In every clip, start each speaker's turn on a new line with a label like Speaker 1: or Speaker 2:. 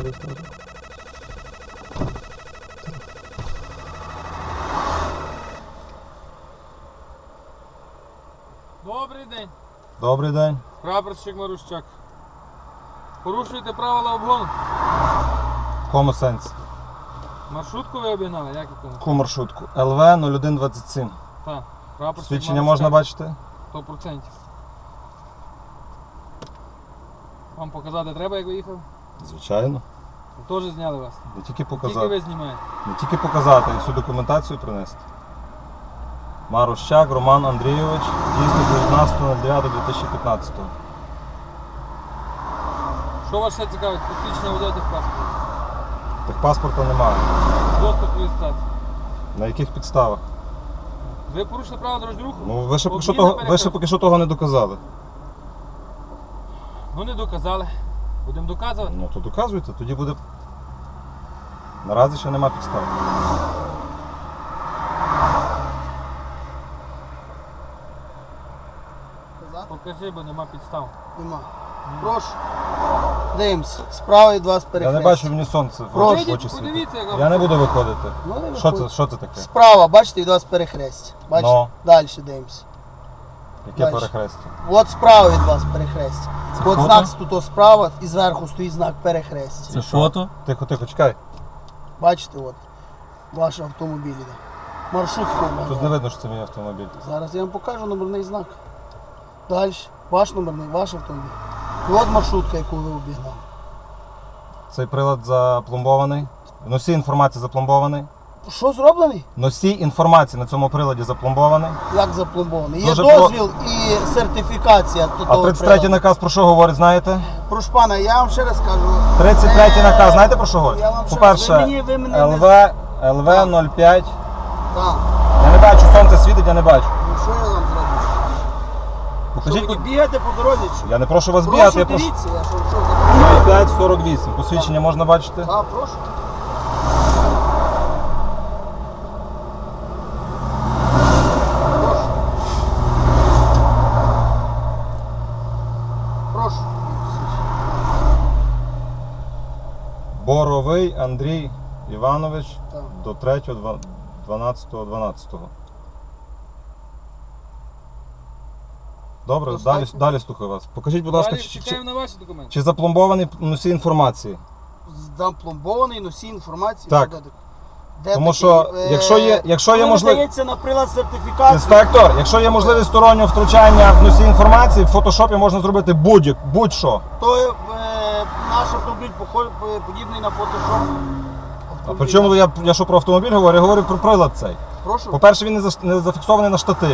Speaker 1: реєстратора.
Speaker 2: Добрий день.
Speaker 1: Добрий день.
Speaker 2: Прапорщик Марущак. Порушуєте правила обгону?
Speaker 1: В якому сенсі?
Speaker 2: Маршрутку ви обігнали? Як якому?
Speaker 1: Яку маршрутку? ЛВ 0127.
Speaker 2: Так. Прапорщик
Speaker 1: Свідчення
Speaker 2: Марущак.
Speaker 1: можна бачити?
Speaker 2: 100%. Вам показати треба, як ви їхали?
Speaker 1: Звичайно.
Speaker 2: Ви теж зняли вас?
Speaker 1: Не тільки
Speaker 2: Тільки
Speaker 1: показати.
Speaker 2: ви знімаєте.
Speaker 1: Не тільки показати, а всю документацію принести. Марущак Роман Андрійович, дійсно 19.09.2015.
Speaker 2: Що вас ще цікавить? Посвідчення водія техпаспорта.
Speaker 1: Техпаспорта немає.
Speaker 2: Доступ до реєстрації.
Speaker 1: На яких підставах?
Speaker 2: Ви порушили правила дорожнього руху?
Speaker 1: Ну, ви ще поки що
Speaker 2: Обгін на
Speaker 1: того,
Speaker 2: перехресті.
Speaker 1: того не доказали.
Speaker 2: Ну не доказали. Будемо доказувати.
Speaker 1: Ну то доказуйте, тоді буде. Наразі ще нема підстав.
Speaker 2: Покажи, бо нема підстав.
Speaker 3: Нема. Прошу. Дивимось. Справа від вас
Speaker 1: Я
Speaker 3: перехрест.
Speaker 1: не бачу, мені сонце в
Speaker 3: Прошу.
Speaker 1: очі
Speaker 2: Вийдіть,
Speaker 1: світить.
Speaker 2: подивіться, як
Speaker 1: Я не буду виходити.
Speaker 3: Ну, не
Speaker 1: Що
Speaker 3: виходь.
Speaker 1: це таке?
Speaker 3: Справа, бачите, від вас перехрест. Бачите?
Speaker 1: Ну.
Speaker 3: Далі дивимось.
Speaker 1: Яке
Speaker 3: Дальше.
Speaker 1: перехрестя?
Speaker 3: От справа від вас перехрест.
Speaker 1: Це
Speaker 3: От
Speaker 1: фото?
Speaker 3: знак тут справа і зверху стоїть знак перехрест.
Speaker 1: Це фото? Тихо, чекай.
Speaker 3: Бачите, от. Ваш автомобіль іде. Маршрутку.
Speaker 1: Тут не видно, що це мій автомобіль.
Speaker 3: Зараз я вам покажу номерний знак. Далі. Ваш номерний, ваш автомобіль. І от маршрутка, яку ви обігнали.
Speaker 1: Цей прилад запломбований. Носій інформації запломбований.
Speaker 3: Що зроблений?
Speaker 1: Носій інформації на цьому приладі запломбований.
Speaker 3: Як запломбований? Є
Speaker 1: Дуже
Speaker 3: дозвіл і сертифікація.
Speaker 1: А 33-й наказ про що говорить, знаєте?
Speaker 3: Прошу пана, я вам ще раз кажу.
Speaker 1: 33-й наказ, знаєте про що говорить?
Speaker 3: Я вам ще-
Speaker 1: По-перше,
Speaker 3: ви мене не-
Speaker 1: ЛВ 05.
Speaker 3: Так.
Speaker 1: Я не бачу, сонце світить, я не бачу.
Speaker 3: Ну що я вам зроблю?
Speaker 1: Покажіть,
Speaker 3: Що, ви бігати по дорозі? Чи?
Speaker 1: я не прошу вас бігати, я прошу.
Speaker 3: дивіться, я що за...
Speaker 1: 0548. Посвідчення можна бачити?
Speaker 3: Так, прошу. Прошу. Прошу.
Speaker 1: Боровий Андрій Іванович
Speaker 3: Так.
Speaker 1: до 3.12.12. Добре,
Speaker 3: Достатньо.
Speaker 1: далі слухаю вас. Покажіть, будь ласка,
Speaker 2: Далі чекаємо на ваші документи.
Speaker 1: чи запломбований носій інформації?
Speaker 3: Здам пломбований носій інформації.
Speaker 1: Так.
Speaker 3: Де
Speaker 1: Тому
Speaker 3: такий?
Speaker 1: що, якщо є
Speaker 3: Коли
Speaker 1: можливість...
Speaker 3: надається на прилад сертифікації.
Speaker 1: Інспектор, якщо є можливість стороннього втручання в носій інформації, в фотошопі можна зробити будь-що.
Speaker 3: То наш автомобіль подібний на фотошоп.
Speaker 1: А при чому я що про автомобіль говорю? Я говорю про прилад цей.
Speaker 3: Прошу.
Speaker 1: По-перше, він не зафіксований на штативі.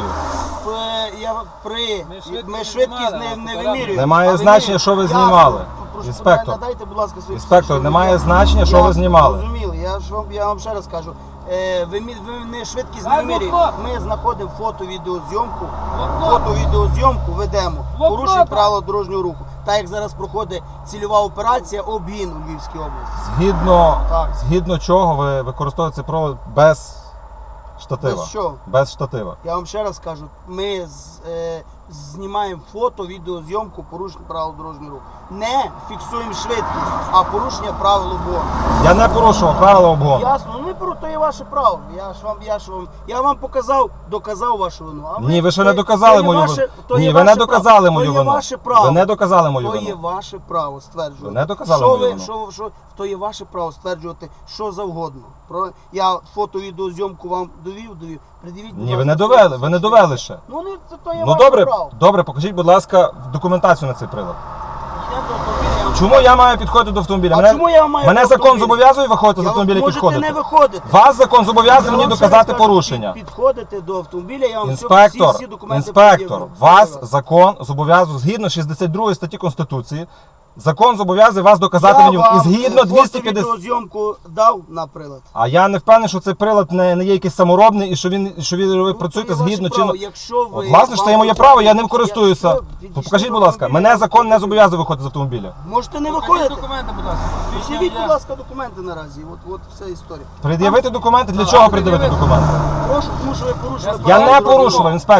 Speaker 3: Ми швидкість не вимірюємо.
Speaker 1: Немає
Speaker 3: А
Speaker 1: значення, що ви
Speaker 3: я-
Speaker 1: знімали.
Speaker 3: Прошу,
Speaker 1: Інспектор.
Speaker 3: надайте, будь ласка, свій
Speaker 1: Інспектор,
Speaker 3: що
Speaker 1: немає
Speaker 3: я-
Speaker 1: значення, що ви знімали.
Speaker 3: Зрозуміли, я вам ще раз кажу. Ви не швидкість не
Speaker 2: Дай
Speaker 3: вимірюємо.
Speaker 2: блокнот.
Speaker 3: Ми знаходимо фото-відеозйомку.
Speaker 2: Блокнот.
Speaker 3: Фото-відеозйомку ведемо.
Speaker 2: Блокнота.
Speaker 3: Порушуємо правила дорожнього руху. Так як зараз проходить цільова операція обгін у Львівській області. Так.
Speaker 1: Згідно чого ви використовуєте цей провод без штатива?
Speaker 3: Без що?
Speaker 1: Без штатива.
Speaker 3: Я вам ще раз кажу, ми знімаємо фото, відеозйомку порушення правил дорожнього руху. Не фіксуємо швидкість, а порушення правил обгону.
Speaker 1: Я не порушував правила обгону.
Speaker 3: Ясно, ну то є ваше право. Я вам показав, доказав вашу вину. А
Speaker 1: Ні, ви ще не доказали мою вину. Ні, ви не доказали мою вину.
Speaker 3: То є ваше право.
Speaker 1: Ви не доказали мою
Speaker 3: То є
Speaker 1: вину.
Speaker 3: ваше право стверджувати.
Speaker 1: Ви не доказали
Speaker 3: що
Speaker 1: мою
Speaker 3: ви,
Speaker 1: вину.
Speaker 3: то є ваше право стверджувати що завгодно. Я фото-відеозйомку вам довів. Придивіть, будь
Speaker 1: Ні, ви
Speaker 3: ласка,
Speaker 1: не довели,
Speaker 3: свої
Speaker 1: ви не довели ще.
Speaker 3: Ну, то є
Speaker 1: Ну
Speaker 3: ваше
Speaker 1: добре,
Speaker 3: право.
Speaker 1: добре, покажіть, будь ласка, документацію на цей прилад.
Speaker 3: Йдемо до автомобіля, я вам
Speaker 1: Чому я маю підходити до автомобіля?
Speaker 3: А чому я маю
Speaker 1: мене
Speaker 3: до
Speaker 1: закон
Speaker 3: автомобіля?
Speaker 1: зобов'язує виходити з
Speaker 3: Я
Speaker 1: автомобіля і
Speaker 3: можете
Speaker 1: підходити?
Speaker 3: не виходити.
Speaker 1: Вас закон зобов'язує
Speaker 3: Я
Speaker 1: мені
Speaker 3: вам ще
Speaker 1: доказати
Speaker 3: раз кажу,
Speaker 1: порушення.
Speaker 3: Підходите до автомобіля, я вам
Speaker 1: Інспектор,
Speaker 3: всі документи
Speaker 1: інспектор,
Speaker 3: пред'явлю.
Speaker 1: вас закон зобов'язує, згідно 62 статті Конституції, закон зобов'язує вас доказати мені. І згідно 250...
Speaker 3: відеозйомку дав на прилад.
Speaker 1: А я не впевнений, що цей прилад не є якийсь саморобний і що ви працюєте
Speaker 3: то є
Speaker 1: згідно
Speaker 3: ваше право.
Speaker 1: чинно.
Speaker 3: Якщо ви...
Speaker 1: От, власне, що це є моє право, я ним користуюся.
Speaker 3: Якщо
Speaker 1: Покажіть,
Speaker 3: ви
Speaker 1: будь ласка,
Speaker 3: автомобіля-
Speaker 1: мене закон не зобов'язує виходити з автомобіля.
Speaker 3: Можете не
Speaker 2: Покажіть
Speaker 3: виходити.
Speaker 2: документи, будь ласка.
Speaker 3: Підживіть, будь ласка, документи наразі. От вся історія.
Speaker 1: Пред'явити документи? Для чого пред'явити документи?
Speaker 3: Прошу, тому що ви порушили
Speaker 1: Я
Speaker 3: правила
Speaker 1: не
Speaker 3: дорожнього
Speaker 1: порушував,
Speaker 3: руху.
Speaker 1: інспектор.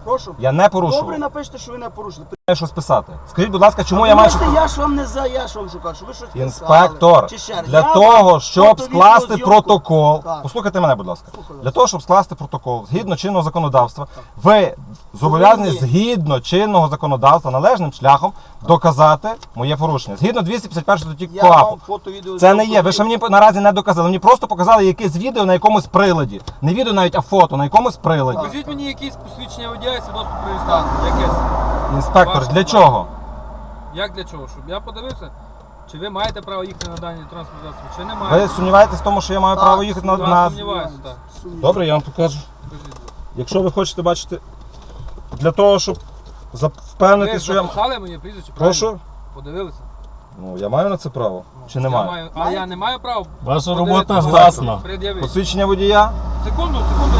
Speaker 3: Прошу.
Speaker 1: Я не порушував.
Speaker 3: Добре, напишіть, що ви не порушили.
Speaker 1: Маю щось писати. Скажіть, будь ласка, чому я маю щось...
Speaker 3: Я ж вам не за, я ж вам шукав, що ви щось писали.
Speaker 1: Інспектор,
Speaker 3: Чи ще раз.
Speaker 1: для
Speaker 3: Я
Speaker 1: того,
Speaker 3: вам
Speaker 1: щоб
Speaker 3: фото,
Speaker 1: скласти
Speaker 3: відео,
Speaker 1: протокол,
Speaker 3: Так.
Speaker 1: послухайте мене, будь ласка,
Speaker 3: Слухаю вас.
Speaker 1: для того, щоб скласти протокол згідно чинного законодавства, ви зобов'язані
Speaker 3: Повинні.
Speaker 1: згідно чинного законодавства належним шляхом доказати моє порушення. Згідно 251 статті
Speaker 3: Я
Speaker 1: КОАПу.
Speaker 3: вам фото, відео,
Speaker 1: Це не є. Ви ще мені наразі не доказали. Мені просто показали якесь відео на якомусь приладі. Не відео навіть, а фото на якомусь приладі.
Speaker 2: Покажіть мені якісь посвідчення водія і свідоцтво про реєстрацію. Якесь.
Speaker 1: Інспектор,
Speaker 2: Ваше
Speaker 1: для
Speaker 2: право.
Speaker 1: чого?
Speaker 2: Як для чого? Щоб я подивився, чи ви маєте право їхати на дані транспортні засоби, чи не маєте.
Speaker 1: Ви сумніваєтесь в тому, що я маю
Speaker 3: Так,
Speaker 1: право їхати
Speaker 2: Я
Speaker 1: на...
Speaker 2: сумніваюся, так.
Speaker 1: Добре, я вам покажу.
Speaker 2: Покажіть, будь ласка.
Speaker 1: Якщо ви хочете бачити, для того, щоб
Speaker 2: Ви
Speaker 1: впевнити, що я...
Speaker 2: записали моє прізвище, правильно?
Speaker 1: Прошу?
Speaker 2: Подивилися?
Speaker 1: Ну, я маю на це право? Чи не
Speaker 2: Я
Speaker 1: маю?
Speaker 2: А я не маю права?
Speaker 4: Ваша
Speaker 2: подивитися,
Speaker 4: робота
Speaker 2: будь ласка,
Speaker 4: власна.
Speaker 2: пред'явити.
Speaker 1: Посвідчення водія?
Speaker 2: Секунду,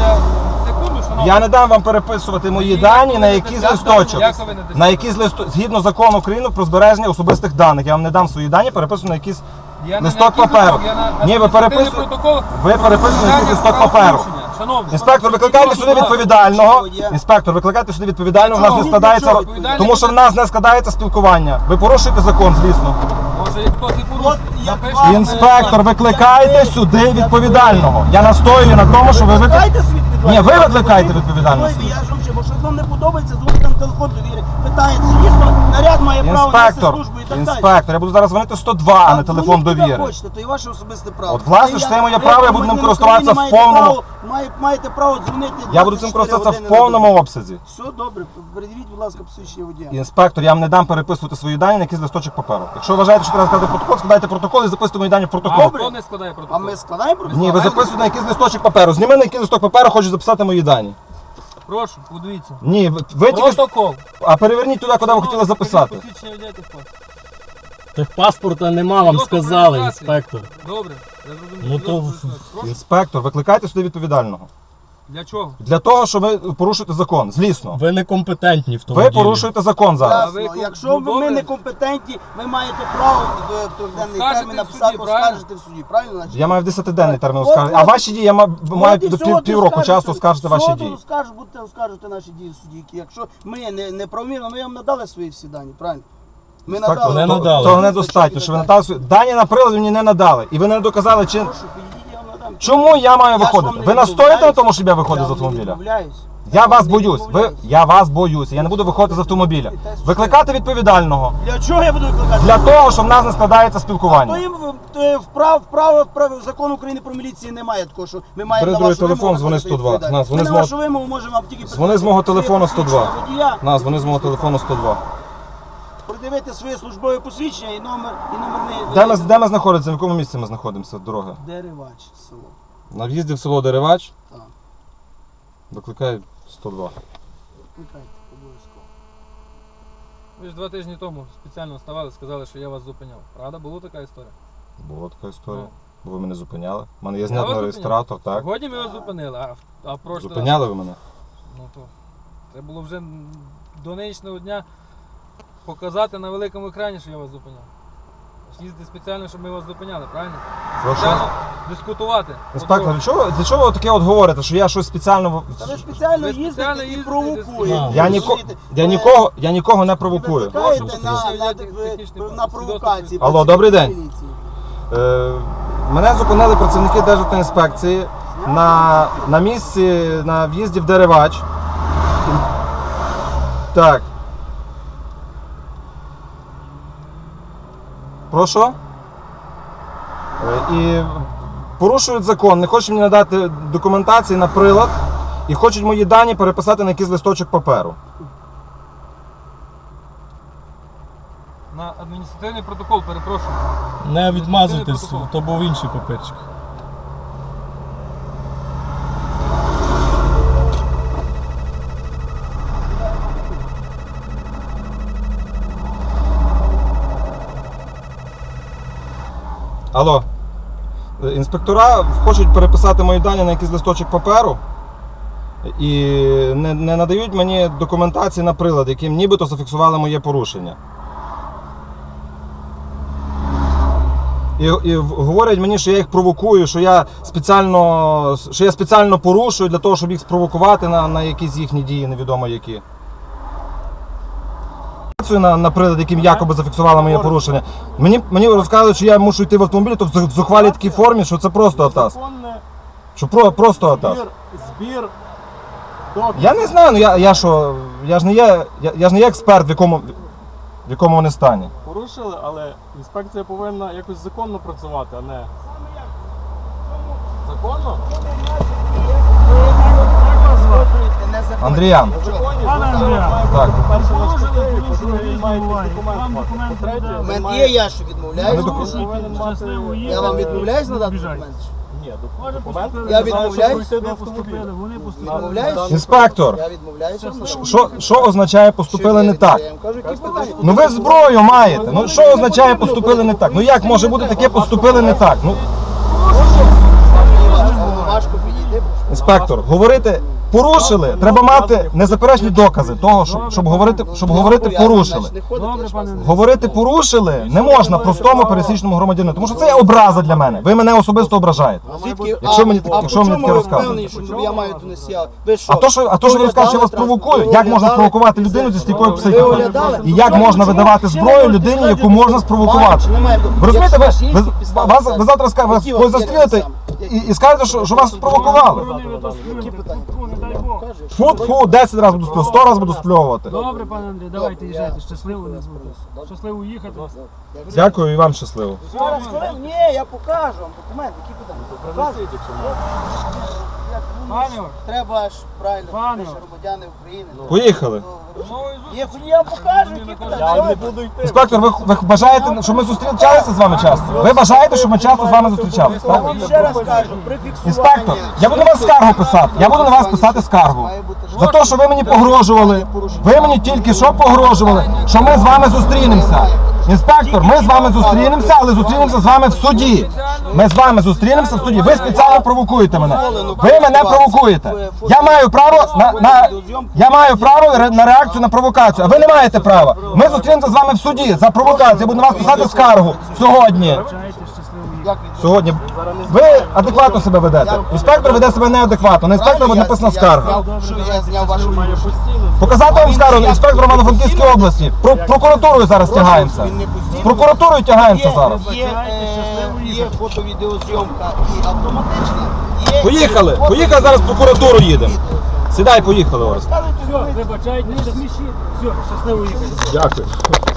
Speaker 2: шановний.
Speaker 1: Я не дам вам переписувати мої дані на якийсь листочок.
Speaker 2: Як ви не дасте?
Speaker 1: На якийсь листочок. Згідно закону України про збереження особистих даних. Я вам не дам свої дані, переписую на якийсь...
Speaker 2: Я не
Speaker 1: листок
Speaker 2: на якийсь
Speaker 1: паперу.
Speaker 2: листок, я на
Speaker 1: Ні, ви
Speaker 2: адміністративний
Speaker 1: переписуєте-
Speaker 2: протокол.
Speaker 1: Ви переписуєте на якийсь листок паперу.
Speaker 2: Правопорушення. Шановний.
Speaker 1: Інспектор, викликайте сюди відповідального.
Speaker 3: Є.
Speaker 1: Інспектор, викликайте сюди відповідального. У нас не
Speaker 3: Чого?
Speaker 1: складається...
Speaker 3: Чого?
Speaker 1: Тому що в нас не складається спілкування. Ви порушуєте закон, звісно.
Speaker 2: Може хтось і порушив.
Speaker 3: От як
Speaker 2: Напишіть.
Speaker 3: вам-
Speaker 1: Інспектор, викликайте сюди відповідального. Я настоюю на тому, що ви викликаєте...
Speaker 3: Викликайте світ
Speaker 1: Ні, ви викликаєте відповідального.
Speaker 3: Ой, я ж вам ще, бо щось вам не подобається, дзвонить там телефон довіри. Питається, дійсно, наряд має право нести
Speaker 1: Інспектор,
Speaker 3: службу і так далі.
Speaker 1: інспектор, я буду зараз дзвонити 102, а не телефон
Speaker 3: дзвоніть куди
Speaker 1: довіри.
Speaker 3: хочете, то і ваше особисте право.
Speaker 1: От, власне,
Speaker 3: Це
Speaker 1: це моє
Speaker 3: ви,
Speaker 1: право, я буду ним
Speaker 3: громадянин
Speaker 1: користуватися
Speaker 3: України,
Speaker 1: в повному-
Speaker 3: Маєте право дзвонити.
Speaker 1: Я буду цим
Speaker 3: 24
Speaker 1: користуватися в
Speaker 3: години на
Speaker 1: повному
Speaker 3: добу.
Speaker 1: обсязі.
Speaker 3: Все добре, передивіть, будь ласка, посвідчення водія.
Speaker 1: Інспектор, я вам не дам переписувати свої дані на якийсь листочок паперу. Якщо вважаєте, що треба складати протокол, складайте протокол і записуйте мої дані в протокол.
Speaker 2: Хто не складає
Speaker 3: А
Speaker 2: протокол?
Speaker 3: ми складаємо протокол?
Speaker 1: Ні, ви записуєте на якийсь листочок паперу. Зніми на якийсь листок паперу, хочу записати мої дані.
Speaker 2: Прошу, подивіться.
Speaker 1: Ні, ви тільки...
Speaker 2: Протокол.
Speaker 1: А переверніть туди, куди ви хотіли записати.
Speaker 2: Посвідчення водія техпаспорт.
Speaker 4: Техпаспорта нема, вам
Speaker 2: Свідоцтво про
Speaker 4: сказали,
Speaker 2: реєстрацію.
Speaker 4: інспектор.
Speaker 2: Добре, я зрозумів.
Speaker 4: Ну, то-
Speaker 2: Свідоцтво про реєстрацію. Прошу.
Speaker 1: Інспектор, викликайте сюди відповідального.
Speaker 2: Для чого?
Speaker 1: Для того, що ви порушуєте закон. Злісно.
Speaker 4: Ви некомпетентні в тому
Speaker 1: Ви
Speaker 4: ділі.
Speaker 1: порушуєте закон зараз.
Speaker 2: А ви
Speaker 3: Ясно.
Speaker 2: ком-
Speaker 3: Якщо
Speaker 2: ну,
Speaker 3: ми
Speaker 2: добре.
Speaker 3: некомпетентні, ви маєте право в трьохденний
Speaker 2: Скажете
Speaker 3: термін
Speaker 2: в
Speaker 3: написати,
Speaker 2: суді, правильно?
Speaker 3: оскаржити в суді, правильно? Значить?
Speaker 1: Я маю в 10-денний термін
Speaker 3: От,
Speaker 1: оскаржити. А
Speaker 3: от.
Speaker 1: ваші дії я маю
Speaker 3: От і
Speaker 1: до
Speaker 3: все, от
Speaker 1: півроку
Speaker 3: скажете.
Speaker 1: часу оскаржити ваші
Speaker 3: Все,
Speaker 1: дії.
Speaker 3: будете оскаржувати наші дії в суді. Якщо ми не правомірно, ми вам надали свої всі дані, правильно? Ми
Speaker 1: Інспектор,
Speaker 4: Не
Speaker 1: то-
Speaker 4: надали.
Speaker 1: Того недостатньо, що ви надали свої... Дані на прилад мені не надали. І ви не доказали, чи...
Speaker 3: Прошу, підійдіть, я вам надам.
Speaker 1: Чому я маю
Speaker 3: Я ж
Speaker 1: виходити?
Speaker 3: вам не
Speaker 1: Ви настоїте на
Speaker 3: відмовляюсь.
Speaker 1: тому, щоб я виходив
Speaker 3: Я
Speaker 1: з
Speaker 3: вам не
Speaker 1: автомобіля?
Speaker 3: відмовляюсь.
Speaker 1: Я
Speaker 3: вам
Speaker 1: вас
Speaker 3: не
Speaker 1: боюсь.
Speaker 3: відмовляюсь.
Speaker 1: Я вас боюся. Я не буду виходити з автомобіля. Викликати відповідального.
Speaker 3: Для чого я буду викликати?
Speaker 1: Для того, щоб в нас не складається
Speaker 3: То
Speaker 1: спілкування.
Speaker 3: їм закон України про міліцію немає такого, що ми маємо
Speaker 1: Бери
Speaker 3: на
Speaker 1: другий
Speaker 3: вашу
Speaker 1: телефон,
Speaker 3: вимогу
Speaker 1: дзвони
Speaker 3: надати
Speaker 1: 102.
Speaker 3: відповідальність.
Speaker 1: На, дзвони
Speaker 3: Ми
Speaker 1: з
Speaker 3: на
Speaker 1: мого-
Speaker 3: вашу вимогу можемо вам тільки
Speaker 1: Дзвони з мого телефону 102.
Speaker 3: Водія,
Speaker 1: На, дзвони з мого телефону 102.
Speaker 3: придивити своє службове посвідчення і номерний...
Speaker 1: Де ми знаходимося? В якому місці ми знаходимося? Дороги?
Speaker 3: Деревач, село.
Speaker 1: На в'їзді в село Деревач.
Speaker 3: Так,
Speaker 1: Викликай 102.
Speaker 3: викликайте, обов'язково.
Speaker 2: Ви ж 2 тижні тому спеціально вставали, сказали, що я вас зупиняв. Правда? Була така історія?
Speaker 1: Була така історія.
Speaker 2: Ну.
Speaker 1: Бо ви мене зупиняли. У мене є
Speaker 2: Я
Speaker 1: знятний
Speaker 2: вас
Speaker 1: реєстратор,
Speaker 2: зупиняв.
Speaker 1: так?
Speaker 2: Сьогодні ми вас зупинили, а прошлий раз...
Speaker 1: Зупиняли ви мене?
Speaker 2: Ну то треба було вже до нинішнього дня показати на великому екрані, що я вас зупиняв. Їздити спеціально, щоб ми вас зупиняли, правильно?
Speaker 1: Прошу?
Speaker 2: Спеціально дискутувати.
Speaker 1: Інспектор, для чого ви таке от говорите, що я щось спеціально...
Speaker 3: Та ви спеціально
Speaker 2: Ви
Speaker 3: їздите
Speaker 2: спеціально
Speaker 3: і
Speaker 2: їздите,
Speaker 3: провокуєте.
Speaker 4: десь-
Speaker 1: Я,
Speaker 3: Ви
Speaker 1: ніко...
Speaker 3: розумієте?
Speaker 1: я нікого не провокую.
Speaker 3: Викликаєте
Speaker 2: Технічний
Speaker 3: на провокації.
Speaker 1: Алло, добрий день. Мене зупинили працівники Державтоінспекції на місці, на в'їзді в Деревач. Так. Прошу? І порушують закон, не хочуть мені надати документації на прилад і хочуть мої дані переписати на якийсь листочок паперу.
Speaker 2: На адміністративний протокол, перепрошую.
Speaker 4: Не відмазуйтесь,
Speaker 2: Протокол.
Speaker 4: то був інший папірчик.
Speaker 1: Алло. Інспектора хочуть переписати мої дані на якийсь листочок паперу і не надають мені документації на прилад, яким нібито зафіксували моє порушення. І говорять мені, що я їх провокую, що я спеціально порушую для того, щоб їх спровокувати на якісь їхні дії, невідомо які. На прилад, яким якоби зафіксували моє порушення. Мені розказують, що я мушу йти в автомобілі, то в зухвалій такій формі, що це просто атас.
Speaker 4: Законне
Speaker 1: Що просто атас.
Speaker 4: збір доказів.
Speaker 1: Я не знаю, ну я ж не є експерт, в якому вони стані.
Speaker 4: Порушили, але інспекція повинна якось законно працювати, а не... Законно?
Speaker 1: Андріян.
Speaker 5: Пане Андріан,
Speaker 1: Так.
Speaker 4: По-перше, на
Speaker 5: порушили,
Speaker 4: штативі,
Speaker 5: порушили,
Speaker 4: по-друге, маєте
Speaker 5: буває.
Speaker 4: документ
Speaker 5: Вам
Speaker 4: мати.
Speaker 5: документи
Speaker 4: По-третє,
Speaker 5: видали.
Speaker 4: ви
Speaker 3: Документ
Speaker 4: маєте-
Speaker 3: є, я що відмовляюсь.
Speaker 1: Ну,
Speaker 4: повинен мати-
Speaker 5: щасливо
Speaker 3: Я вам відмовляюсь надати
Speaker 5: Біжать.
Speaker 3: документи?
Speaker 4: Ні,
Speaker 5: Може,
Speaker 4: документ.
Speaker 5: поступили,
Speaker 3: Я
Speaker 5: ви знаєте,
Speaker 3: відмовляюсь.
Speaker 5: що ви поступили, вони поступили.
Speaker 3: Відмовляюсь?
Speaker 1: Інспектор,
Speaker 3: Я відмовляюся.
Speaker 1: що означає поступили не так?
Speaker 3: Я їм кажу, які питання.
Speaker 1: Ну ви зброю маєте. Ну що означає поступили не так? Ну як може бути таке поступили не так? Ну,
Speaker 3: Важко підійти.
Speaker 1: інспектор, говорити порушили, треба мати незаперечні докази того, щоб говорити порушили.
Speaker 5: Добре, пане Андрій.
Speaker 1: Говорити порушили не можна простому пересічному громадянину, тому що це є образа для мене. Ви мене особисто ображаєте.
Speaker 3: Звідки?
Speaker 1: Якщо мені
Speaker 3: а
Speaker 1: якщо мені
Speaker 3: по чому
Speaker 1: таке
Speaker 3: ви
Speaker 1: розказуєте.
Speaker 3: впевнені, що я маю донести? Ви що?
Speaker 1: А то, що ви розказуєте, що я вас провокую, як можна спровокувати людину зі стійкою психікою? І як можна видавати зброю людині, яку можна спровокувати? Ви розумієте, ви завтра ви застрілите і скажете, що вас спровокували.
Speaker 5: Які питання? Не дай Бог.
Speaker 1: Фу, 10 разів буду сплювати, 100 разів буду спльовувати.
Speaker 5: Добре, пане Андрій, давайте їжджайте. Щасливо нас буде. Щасливо їхати.
Speaker 1: Дякую і вам щасливо.
Speaker 3: Зараз, хвилин. Ні, я покажу вам документи. Які питання? Покажу.
Speaker 5: Пане Ор,
Speaker 3: Треба ж правильно,
Speaker 5: Пане.
Speaker 3: ми ж громадяни України.
Speaker 1: Поїхали.
Speaker 3: Є, я вам покажу, які питання.
Speaker 4: Я не буду йти.
Speaker 1: Інспектор, ви бажаєте, щоб ми зустрічалися з вами часто? Ви бажаєте, щоб ми часто з вами зустрічалися?
Speaker 3: Я
Speaker 1: Так?
Speaker 3: вам ще раз кажу, при фіксуванні.
Speaker 1: Інспектор, я буду на вас скаргу писати. Я буду на вас писати скаргу.
Speaker 3: Має бути
Speaker 1: За те, що ви мені погрожували. Ви мені тільки що погрожували, що ми з вами зустрінемося. Інспектор, ми з вами зустрінемося, але зустрінемося з вами в суді. Ми з вами зустрінемося в суді. Ви спеціально провокуєте мене. Ви мене провокуєте. Я маю право на реакцію на провокацію, а ви не маєте права. Ми зустрінемося з вами в суді за провокацію. Я буду на вас писати скаргу сьогодні.
Speaker 5: чайте, щасливо їхати.
Speaker 1: Сьогодні. Ви адекватно себе ведете. Інспектор веде себе неадекватно. На інспектора буде написана скарга.
Speaker 3: Що я зняв вашу
Speaker 1: Показати вам скаргу інспектора Івано-Франківської області. Прокуратурою зараз тягаємося. З прокуратурою тягаємося зараз.
Speaker 3: Є фото-відеозйомка і автоматична. Є
Speaker 1: Поїхали зараз в прокуратуру їдемо. Сідай, поїхали, Орес.
Speaker 5: Все, вибачайте, все, щасливо їхати.
Speaker 1: Дякую.